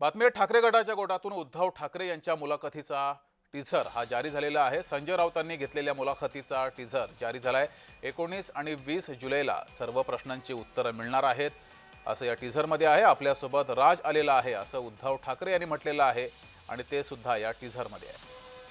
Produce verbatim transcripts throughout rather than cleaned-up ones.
बातमी ठाकरे गटाच्या गोटातून उद्धव ठाकरे यांच्या मुलाखतीचा टीझर हा जारी झालेला आहे। संजय राऊतांनी घेतलेल्या मुलाखतीचा टीझर जारी झालाय। एकोणीस आणि वीस जुलैला सर्व प्रश्नांची उत्तरं मिळणार आहेत असं या टीझरमध्ये आहे। आपल्यासोबत राज आलेला आहे असं उद्धव ठाकरे यांनी म्हटलेलं आहे आणि ते सुद्धा या टीझरमध्ये आहे।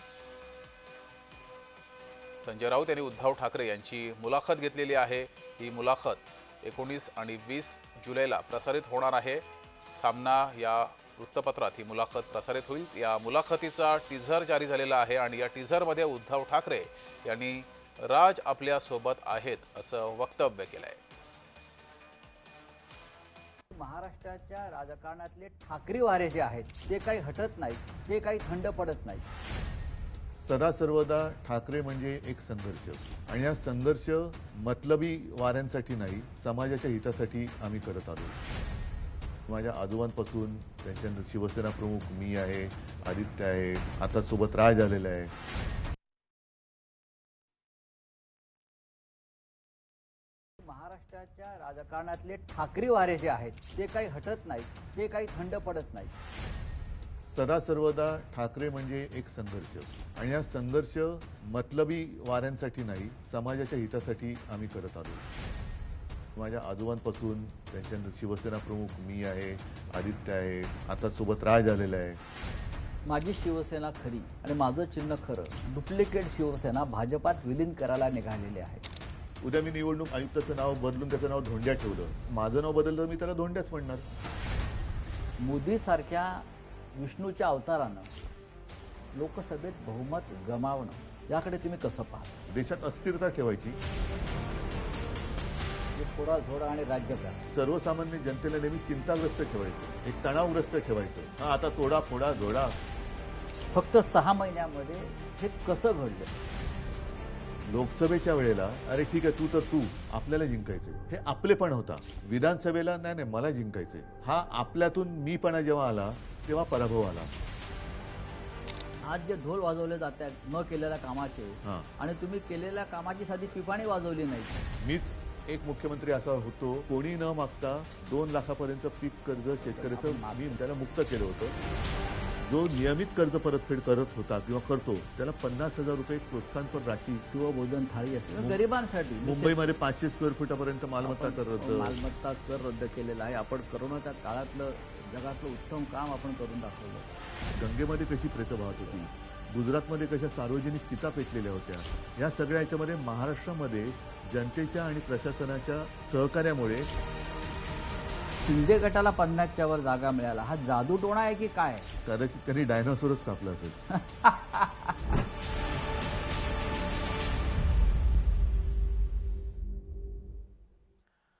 संजय राऊत यांनी उद्धव ठाकरे यांची मुलाखत घेतलेली आहे। ही मुलाखत एकोणीस आणि वीस जुलैला प्रसारित होणार आहे। सामना या वृत्तपत्रात ही मुलाखत प्रसारित होईल। या मुलाखतीचा टीझर जारी झालेला आहे आणि या टीझरमध्ये उद्धव ठाकरे यांनी राज आपल्या सोबत आहेत असं वक्तव्य केलंय। महाराष्ट्राच्या राजकारणातले ठाकरे वारे जे आहेत ते काही हटत नाही, ते काही थंड पडत नाही। सदा सर्वदा ठाकरे म्हणजे एक संघर्ष आणि हा संघर्ष मतलबी वाऱ्यांसाठी नाही, समाजाच्या हितासाठी आम्ही करत आलो। माझ्या आजोबांपासून त्यांच्यानंतर शिवसेना प्रमुख मी आहे, आदित्य आहे, आता सोबत राज आलेला आहे। महाराष्ट्राच्या राजकारणातले ठाकरे वारे जे आहेत ते काही हटत नाही, ते काही थंड पडत नाही। सदा सर्वदा ठाकरे म्हणजे एक संघर्ष आणि हा संघर्ष मतलबी वाऱ्यांसाठी नाही, समाजाच्या हितासाठी आम्ही करत आलो। माझ्या आजोबांपासून त्यांच्यानंतर शिवसेना प्रमुख मी आहे, आदित्य आहे, आता सोबत राज आलेला आहे। माझी शिवसेना खरी आणि माझं चिन्ह खरं डुप्लिकेट शिवसेना भाजपात विलीन करायला निघालेली आहे। उद्या मी निवडणूक आयुक्ताचं नाव बदलून त्याचं नाव धोंड्या ठेवलं, माझं नाव बदललं मी त्याला धोंड्याच म्हणणार। मोदी सारख्या विष्णूच्या अवतारानं लोकसभेत बहुमत गमावणं याकडे तुम्ही कसं पाहता? देशात अस्थिरता ठेवायची, थोडा झोडा आणि राज्यकार सर्वसामान्य जनतेला नेहमी चिंताग्रस्त ठेवायचं, एक तणावग्रस्त ठेवायचं। हा आता तोडा फोडा जोडा। फक्त सहा महिन्यामध्ये हे कसं घडलं? लोकसभेच्या वेळेला अरे ठीक आहे तू तर तू, आपल्याला जिंकायचंय, हे आपलेपण होता। विधानसभेला नाही नाही मला जिंकायचंय, हा आपल्यातून मीपणा जेव्हा आला तेव्हा पराभव आला। आज जे ढोल वाजवले जात आहेत न केलेल्या कामाचे आणि तुम्ही केलेल्या कामाची साधी पिपाणी वाजवली नाही। मीच एक मुख्यमंत्री असा होतो कोणी न मागता दोन लाखापर्यंत पीक कर्ज शेतकऱ्याचं मी त्याला मुक्त केलं होतं। जो नियमित कर्ज परतफेड करत होता किंवा करतो त्याला पन्नास हजार रुपये प्रोत्साहनपर राशी किंवा भोजन थाळी असते गरिबांसाठी। मुंबईमध्ये पाचशे स्क्वेअर फुटापर्यंत मालमत्ता कर रद्द मालमत्ता कर रद्द केलेला आहे। आपण करोनाच्या काळातलं जगातलं उत्तम काम आपण करून दाखवलं। गंगेमध्ये कशी प्रेत वाहत होती, गुजरातमध्ये कशा सार्वजनिक चिता पेटलेल्या होत्या, या सगळ्या याच्यामध्ये महाराष्ट्रामध्ये जनतेच्या आणि प्रशासनाच्या सहकार्यामुळे शिंदे गटाला पन्नासच्या वर जागा मिळाला। हा जादू टोणा आहे की काय? कदाचित त्यांनी डायनोसॉरच कापला असेल।